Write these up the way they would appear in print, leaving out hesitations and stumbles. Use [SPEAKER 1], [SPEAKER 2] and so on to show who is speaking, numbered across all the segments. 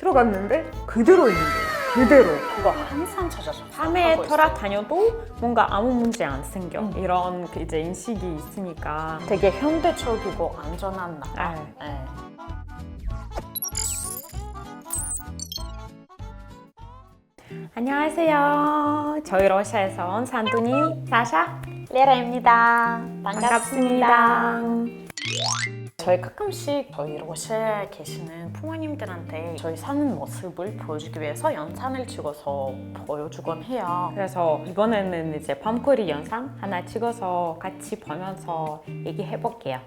[SPEAKER 1] 들어갔는데 그대로 있는 거예요. 그대로.
[SPEAKER 2] 그거 항상 찾아서
[SPEAKER 1] 밤에
[SPEAKER 2] 하고 있어요.
[SPEAKER 1] 돌아다녀도 뭔가 아무 문제 안 생겨. 이런 그 이제 인식이 있으니까.
[SPEAKER 2] 되게 현대적이고 안전한 나라. 네.
[SPEAKER 1] 안녕하세요. 저희 러시아에서 온 산둥이 사샤
[SPEAKER 2] 레라입니다.
[SPEAKER 1] 반갑습니다.
[SPEAKER 2] 저희 가끔씩 저희 러시아에 계시는 부모님들한테 저희 사는 모습을 보여주기 위해서 영상을 찍어서 보여주곤 해요.
[SPEAKER 1] 그래서 이번에는 이제 밤거리 영상 하나 찍어서 같이 보면서 얘기해 볼게요.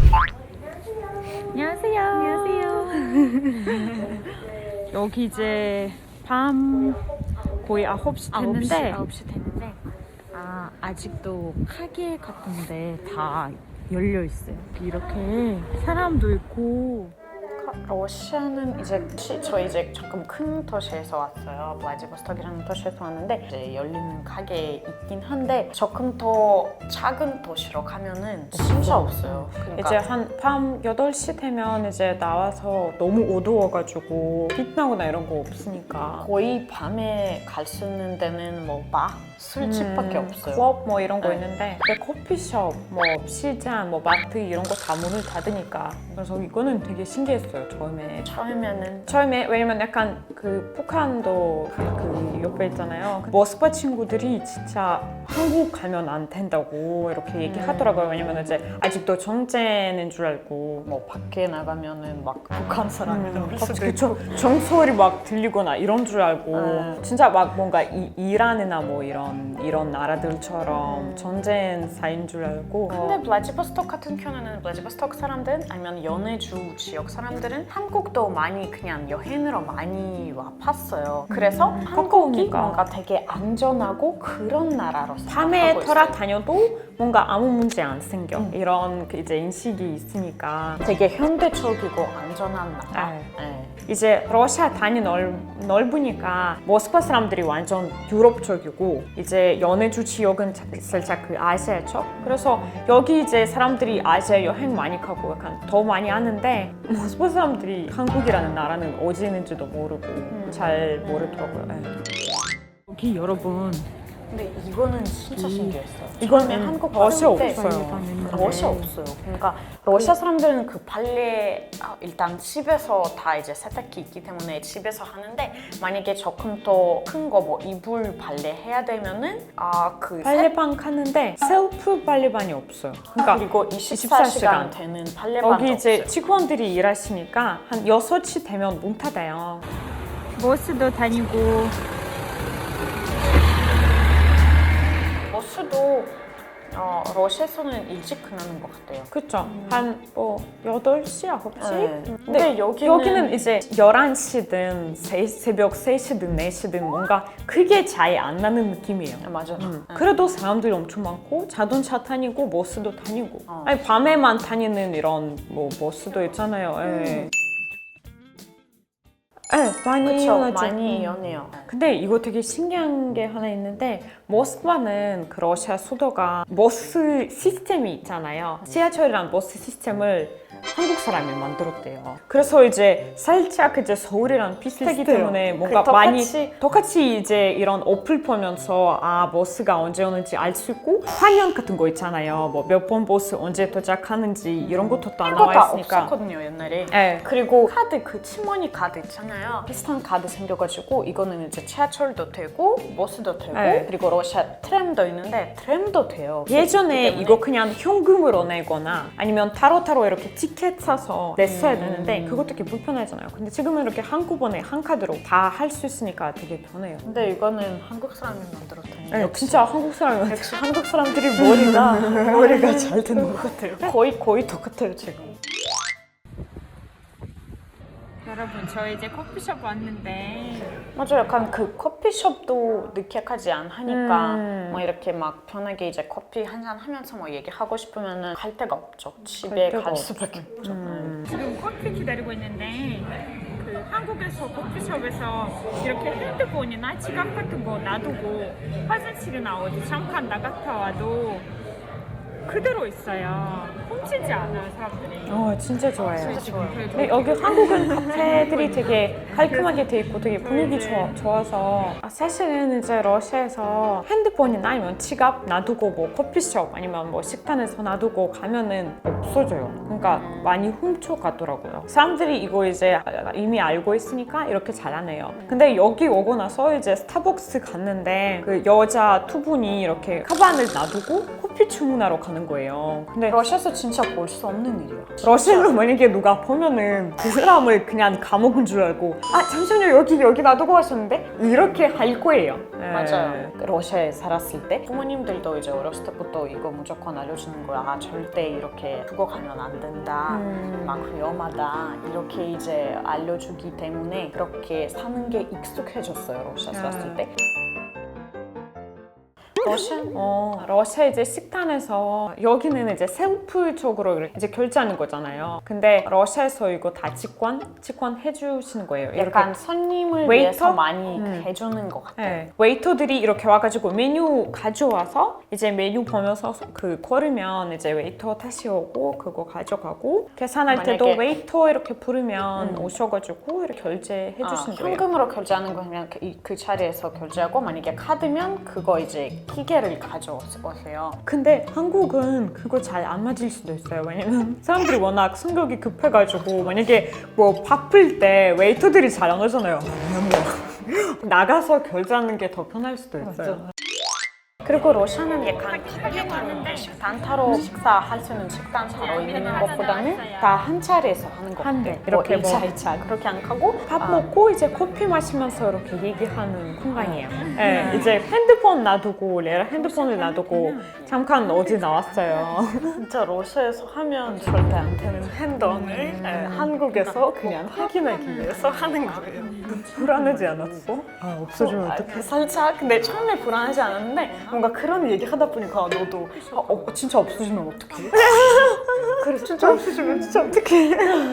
[SPEAKER 1] 안녕하세요. 안녕하세요. 여기 이제 밤 거의 9시 됐는데
[SPEAKER 2] 9시 됐는데
[SPEAKER 1] 아직도 가게 같은데 다 열려 있어요. 이렇게 사람도 있고.
[SPEAKER 2] 러시아는 이제 저희 이제 조금 큰 도시에서 왔어요. 블라디보스톡이라는 도시에서 왔는데 이제 열리는 가게 있긴 한데 조금 더 작은 도시로 가면은 진짜 없어요. 그러니까
[SPEAKER 1] 이제 한 밤 8시 되면 이제 나와서 너무 어두워가지고 빛 나거나 이런 거 없으니까
[SPEAKER 2] 거의 밤에 갈 수 있는 데는 뭐 바, 술집밖에 없어요.
[SPEAKER 1] 클럽 뭐 이런 거
[SPEAKER 2] 네.
[SPEAKER 1] 있는데 근데 커피숍, 뭐 시장, 뭐 마트 이런 거 다 문을 닫으니까 그래서 이거는 되게 신기했어요. 처음에 왜냐면 약간 그 북한도 그 옆에 있잖아요. 모스크바 친구들이 진짜 한국 가면 안 된다고 이렇게 얘기하더라고요. 왜냐면 이제 아직도 전쟁인 줄 알고
[SPEAKER 2] 뭐 밖에 나가면은 막 북한 사람이랑 할 수도 있고
[SPEAKER 1] 그쵸. 정소리 막 들리거나 이런 줄 알고 진짜 막 뭔가 이란이나 뭐 이런 나라들처럼 전쟁 사인 줄 알고
[SPEAKER 2] 근데 블라디보스톡 같은 경우는 블라디보스톡 사람들 아니면 연해주 지역 사람들은 한국도 많이 그냥 여행으로 많이 와봤어요. 그래서 한국이
[SPEAKER 1] 가까우니까.
[SPEAKER 2] 뭔가 되게 안전하고 그런 나라로
[SPEAKER 1] 밤에
[SPEAKER 2] 생각하고 있어요.
[SPEAKER 1] 돌아다녀도 뭔가 아무 문제 안 생겨. 이런 그 이제 인식이 있으니까
[SPEAKER 2] 되게 현대적이고 안전한 나라.
[SPEAKER 1] 네. 이제 러시아 단이 넓으니까 모스크바 사람들이 완전 유럽적이고 이제 연해주 지역은 살짝 그 아시아 쪽. 그래서 여기 이제 사람들이 아시아 여행 많이 가고 약간 더 많이 하는데 모스크바 사람들이 한국이라는 나라는 어디 있는지도 모르고 잘 모르더라고요. 네. 여기 여러분
[SPEAKER 2] 근데 이거는 진짜 신기했어요.
[SPEAKER 1] 이거는
[SPEAKER 2] 처음에 한국
[SPEAKER 1] 러시아
[SPEAKER 2] 왔을 때
[SPEAKER 1] 없어요.
[SPEAKER 2] 러시아 없어요. 그러니까 러시아 사람들은 그 빨래 일단 집에서 다 이제 세탁기 있기 때문에 집에서 하는데 만약에 조금 더 큰 거 뭐 이불 빨래 해야 되면은 그
[SPEAKER 1] 빨래방 가는데 셀프 빨래방이 없어요. 그러니까
[SPEAKER 2] 그리고 24시간 되는 빨래방도
[SPEAKER 1] 여기 이제
[SPEAKER 2] 없어요.
[SPEAKER 1] 직원들이 일하시니까 한 6시 되면 문 닫아요. 버스도 다니고
[SPEAKER 2] 버스도 러시아에서는 일찍 끝나는 것 같아요.
[SPEAKER 1] 그쵸? 한 8시, 9시?
[SPEAKER 2] 네.
[SPEAKER 1] 근데
[SPEAKER 2] 근데
[SPEAKER 1] 여기는 이제 11시든 새벽 3시든 4시든 뭔가 크게 차이 안 나는 느낌이에요.
[SPEAKER 2] 맞아요.
[SPEAKER 1] 그래도 사람들이 엄청 많고 자동차 다니고 버스도 다니고 아니 밤에만 다니는 이런 뭐 버스도 있잖아요. 예. 네, 많이
[SPEAKER 2] 그쵸,
[SPEAKER 1] 이용하죠.
[SPEAKER 2] 많이 연해요.
[SPEAKER 1] 근데 이거 되게 신기한 게 하나 있는데 모스크바는 그 러시아 수도가 버스 시스템이 있잖아요. 지하철이랑 버스 시스템을 한국 사람이 만들었대요. 그래서 이제 살짝 이제 서울이랑 비슷하기
[SPEAKER 2] 비슷해요.
[SPEAKER 1] 때문에 뭔가
[SPEAKER 2] 그
[SPEAKER 1] 많이 똑같이 이제 이런 어플 보면서 버스가 언제 오는지 알 수 있고 화면 같은 거 있잖아요. 뭐 몇 번 버스 언제 도착하는지 이런 것도 다
[SPEAKER 2] 그거
[SPEAKER 1] 나와
[SPEAKER 2] 다
[SPEAKER 1] 있으니까.
[SPEAKER 2] 없었거든요 옛날에.
[SPEAKER 1] 네.
[SPEAKER 2] 그리고 카드 그 치머니 카드 있잖아요. 비슷한 카드 생겨가지고 이거는 이제 지하철도 되고 버스도 되고
[SPEAKER 1] 네.
[SPEAKER 2] 그리고 러시아 트램도 있는데 트램도 돼요.
[SPEAKER 1] 예전에
[SPEAKER 2] 때문에.
[SPEAKER 1] 이거 그냥 현금으로 내거나 아니면 타로타로 이렇게 티켓 사서 냈어야 되는데 그것도 되게 불편하잖아요. 근데 지금은 이렇게 한꺼번에 한 카드로 다 할 수 있으니까 되게 편해요.
[SPEAKER 2] 근데 이거는 한국 사람이 만들었다니.
[SPEAKER 1] 네, 진짜 한국 사람이
[SPEAKER 2] 역시 한국 사람들이 머리가 잘 되는 것 같아요. 거의 똑같아요 지금.
[SPEAKER 1] 여러분 저 이제 커피숍 왔는데
[SPEAKER 2] 맞아, 약간 그 커피숍도 느끼하지 않으니까 뭐 이렇게 막 편하게 이제 커피 한잔 하면서 뭐 얘기하고 싶으면은 갈 데가 없죠. 집에
[SPEAKER 1] 데가
[SPEAKER 2] 갈 수밖에 없죠.
[SPEAKER 1] 지금 커피 기다리고 있는데 그 한국에서 커피숍에서 이렇게 핸드폰이나 지갑 같은 거 놔두고 화장실이나 어디 잠깐 나갔다 와도 그대로 있어요.
[SPEAKER 3] 훔치지 않아요, 사람들이.
[SPEAKER 1] 진짜 좋아요.
[SPEAKER 3] 진짜 좋아요.
[SPEAKER 1] 근데 여기 한국은 카페들이 되게 깔끔하게 돼 있고 되게 분위기 좋아서 사실은 이제 러시아에서 핸드폰이나 아니면 지갑 놔두고 뭐 커피숍 아니면 뭐 식당에서 놔두고 가면은 없어져요. 그러니까 많이 훔쳐가더라고요. 사람들이 이거 이제 이미 알고 있으니까 이렇게 잘하네요. 근데 여기 오고 나서 이제 스타벅스 갔는데 그 여자 두 분이 이렇게 가방을 놔두고 커피 주문하러 가는 거예요. 근데
[SPEAKER 2] 러시아에서 진짜 볼 수 없는 일이야.
[SPEAKER 1] 러시아로 만약에 누가 보면은 그 사람을 그냥 감옥인 줄 알고 잠시만요 여기 놔두고 가셨는데 이렇게 할 거예요.
[SPEAKER 2] 맞아요. 러시아에 살았을 때 부모님들도 이제 어렸을 때부터 이거 무조건 알려주는 거야. 절대 이렇게 두고 가면 안 된다. 막 위험하다. 이렇게 이제 알려주기 때문에 그렇게 사는 게 익숙해졌어요. 러시아 살았을 때.
[SPEAKER 1] 러시아 이제 식당에서 여기는 이제 셀프적으로 이제 결제하는 거잖아요. 근데 러시아에서 이거 다 직관 해주시는 거예요.
[SPEAKER 2] 약간 손님을
[SPEAKER 1] 웨이터?
[SPEAKER 2] 위해서 많이 해주는 것 같아요.
[SPEAKER 1] 네. 웨이터들이 이렇게 와가지고 메뉴 가져와서 이제 메뉴 보면서 그 걸으면 이제 웨이터 다시 오고 그거 가져가고 계산할 때도
[SPEAKER 2] 만약에-
[SPEAKER 1] 웨이터 이렇게 부르면 오셔가지고 이렇게 결제해 주시는 거예요.
[SPEAKER 2] 현금으로 결제하는 거 그냥 그 자리에서 결제하고 만약에 카드면 그거 이제 기계를 가져오세요.
[SPEAKER 1] 근데 한국은 그거 잘 안 맞을 수도 있어요. 왜냐면 사람들이 워낙 성격이 급해가지고 만약에 뭐 바쁠 때 웨이터들이 잘 안 오잖아요. 나가서 결제하는 게 더 편할 수도 있어요.
[SPEAKER 2] 그리고 러시아는 약간 식당 타러 식사할 수 있는 식당 타러 있는 것보다는 다 한 자리에서 하는 것
[SPEAKER 1] 한 대.
[SPEAKER 2] 같아요.
[SPEAKER 1] 이렇게
[SPEAKER 2] 뭐 1차, 2차 그렇게 안 하고
[SPEAKER 1] 밥 먹고 이제 커피 마시면서 이렇게 얘기하는 공간이에요. 네, 이제 핸드폰 놔두고 레라 핸드폰을 놔두고 잠깐 어디 나왔어요.
[SPEAKER 2] 진짜 러시아에서 하면 절대 안 되는 행동을 한국에서 그냥 확인하기 위해서 하는 거예요.
[SPEAKER 1] 불안하지 않았어? 없어지면 어떡해?
[SPEAKER 2] 살짝 근데 처음에 불안하지 않았는데 뭔가 그런 얘기 하다 보니까 너도 진짜 없어지면 어떡해? 그래서 진짜 없어지면 진짜 어떡해?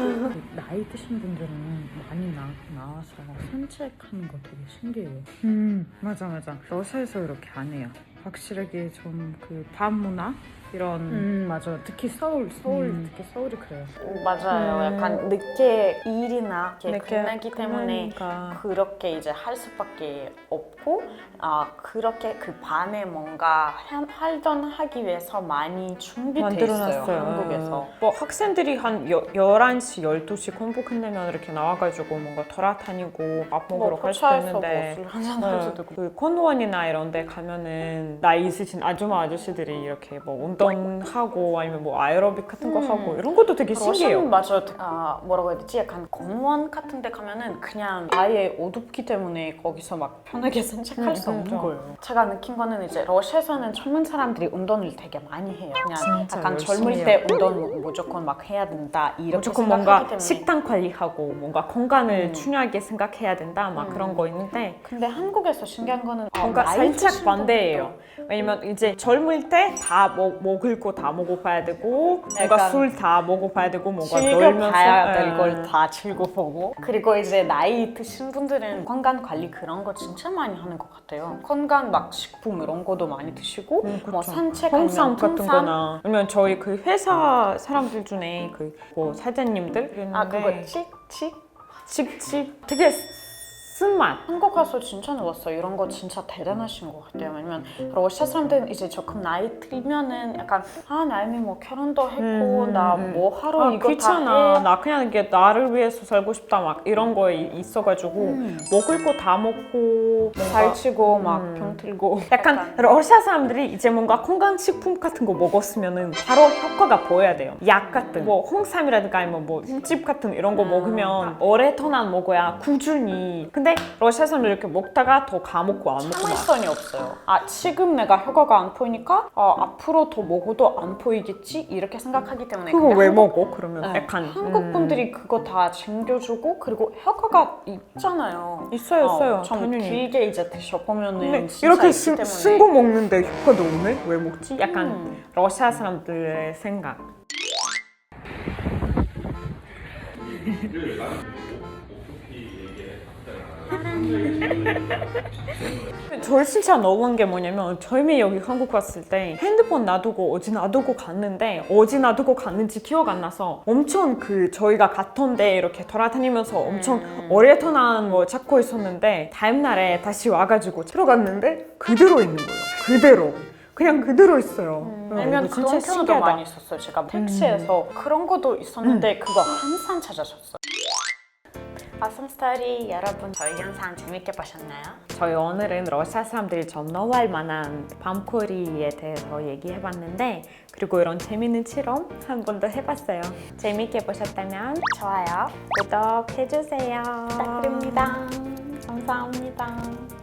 [SPEAKER 4] 나이 드신 분들은 많이 나와서 산책하는 거 되게 신기해요. 맞아. 러시아에서 이렇게 안 해요. 확실하게 좀 그 밤 문화 이런 맞아. 특히 서울 특히 서울이 그래요.
[SPEAKER 2] 맞아요. 약간 늦게 일이나 이렇게
[SPEAKER 1] 늦게
[SPEAKER 2] 끝나기 때문에
[SPEAKER 1] 끝나니까.
[SPEAKER 2] 그렇게 이제 할 수밖에 없고 그렇게 그 밤에 뭔가 활동하기 위해서 많이 준비돼 있어요.
[SPEAKER 1] 만들어놨어요.
[SPEAKER 2] 한국에서.
[SPEAKER 1] 뭐 학생들이 한 11시, 12시 공부 끝내면 이렇게 나와가지고 뭔가 돌아다니고 밥 먹으러 갈 수도 있는데
[SPEAKER 2] 술 한잔 할 수도 있고.
[SPEAKER 1] 그 컨원이나 이런 데 가면은 나이 있으신 아줌마 아저씨들이 이렇게 뭐 운동하고 아니면 뭐 아에로빅 같은 거 하고 이런 것도 되게 신기해요.
[SPEAKER 2] 러시아는 맞아요. 뭐라고 해야 되지? 약간 공원 같은 데 가면은 그냥 아예 어둡기 때문에 거기서 막 편하게 산책할 수 없는 거예요. 제가 느낀 거는 이제 러시아에서는 젊은 사람들이 운동을 되게 많이 해요. 그냥
[SPEAKER 1] 진짜
[SPEAKER 2] 약간
[SPEAKER 1] 열심히
[SPEAKER 2] 젊을
[SPEAKER 1] 해요.
[SPEAKER 2] 때 운동 무조건 막 해야 된다 이렇게
[SPEAKER 1] 무조건
[SPEAKER 2] 생각하기
[SPEAKER 1] 뭔가
[SPEAKER 2] 때문에.
[SPEAKER 1] 식단 관리하고 뭔가 건강을 중요하게 생각해야 된다 막 그런 거 있는데
[SPEAKER 2] 근데 한국에서 신기한 거는
[SPEAKER 1] 뭔가
[SPEAKER 2] 나이
[SPEAKER 1] 살짝
[SPEAKER 2] 드신
[SPEAKER 1] 반대예요. 왜냐면 이제 젊을 때 다 먹을 거 다 먹어봐야 되고 뭔가
[SPEAKER 2] 약간
[SPEAKER 1] 술 다 먹어봐야 되고 뭔가
[SPEAKER 2] 즐겨봐야
[SPEAKER 1] 놀면서
[SPEAKER 2] 될 걸 다 즐겨보고 그리고 이제 나이 드신 분들은 건강 관리 그런 거 진짜 많이 하는 것 같아요. 건강 막 식품 이런 것도 많이 드시고 뭐 산책하면
[SPEAKER 1] 홍삼 같은
[SPEAKER 2] 통삼
[SPEAKER 1] 거나 아니면 저희 그 회사 사람들 중에 그 뭐 사장님들 있는데
[SPEAKER 2] 그거 칙칙
[SPEAKER 1] 칙칙 되게 쓴맛
[SPEAKER 2] 한국 가서 진짜 놀랐어요. 이런 거 진짜 대단하신 것 같아요. 왜냐면 러시아 사람들은 이제 조금 나이 들면은 약간 나 이미 뭐 결혼도 했고 나 뭐 하러 이거
[SPEAKER 1] 귀찮아.
[SPEAKER 2] 다 해.
[SPEAKER 1] 나 그냥 이게 나를 위해서 살고 싶다 막 이런 거에 있어가지고 먹을 거 다 먹고
[SPEAKER 2] 살찌고 막 병 들고
[SPEAKER 1] 약간 러시아 사람들이 이제 뭔가 건강식품 같은 거 먹었으면은 바로 효과가 보여야 돼요. 약 같은 뭐 홍삼이라든가 아니면 뭐 흰집 같은 이런 거 먹으면 오랫동안 먹어야 꾸준히. 근데 러시아 사람들 이렇게 먹다가 더 가먹고 안 먹고 막.
[SPEAKER 2] 참을성이 없어요. 지금 내가 효과가 안 보이니까 앞으로 더 먹어도 안 보이겠지 이렇게 생각하기 때문에.
[SPEAKER 1] 그거
[SPEAKER 2] 근데
[SPEAKER 1] 왜
[SPEAKER 2] 한국-
[SPEAKER 1] 먹어? 그러면 약간
[SPEAKER 2] 한국 분들이 그거 다 챙겨주고 그리고 효과가 있잖아요.
[SPEAKER 1] 있어요.
[SPEAKER 2] 좀
[SPEAKER 1] 당연히.
[SPEAKER 2] 길게 이제 드셔보면은
[SPEAKER 1] 근데
[SPEAKER 2] 진짜
[SPEAKER 1] 이렇게
[SPEAKER 2] 있기 때문에.
[SPEAKER 1] 쓴 거 먹는데 효과도 없네? 왜 먹지? 약간 러시아 사람들의 생각.
[SPEAKER 4] 사람이
[SPEAKER 1] 저 진짜 너무한 게 뭐냐면 처음에 여기 한국 왔을 때 핸드폰 놔두고 어디 놔두고 갔는데 어디 놔두고 갔는지 기억 안 나서 엄청 그 저희가 갔던 데 이렇게 돌아다니면서 엄청 오랫동안 뭐 찾고 있었는데 다음 날에 다시 와가지고 들어갔는데 그대로 있는 거예요. 그대로. 그냥 그대로 있어요.
[SPEAKER 2] 아니면
[SPEAKER 1] 이거
[SPEAKER 2] 그런 경우도
[SPEAKER 1] 신기하다.
[SPEAKER 2] 많이 있었어요. 제가 택시에서 그런 것도 있었는데 그거 항상 찾아줬어요. 아썸 스토리 여러분 저희 영상 재밌게 보셨나요?
[SPEAKER 1] 저희 오늘은 러시아 사람들이 좀 좋아할 만한 밤코리에 대해서 얘기해봤는데 그리고 이런 재밌는 실험 한 번 더 해봤어요. 재밌게 보셨다면
[SPEAKER 2] 좋아요
[SPEAKER 1] 구독해주세요.
[SPEAKER 2] 부탁드립니다. 감사합니다.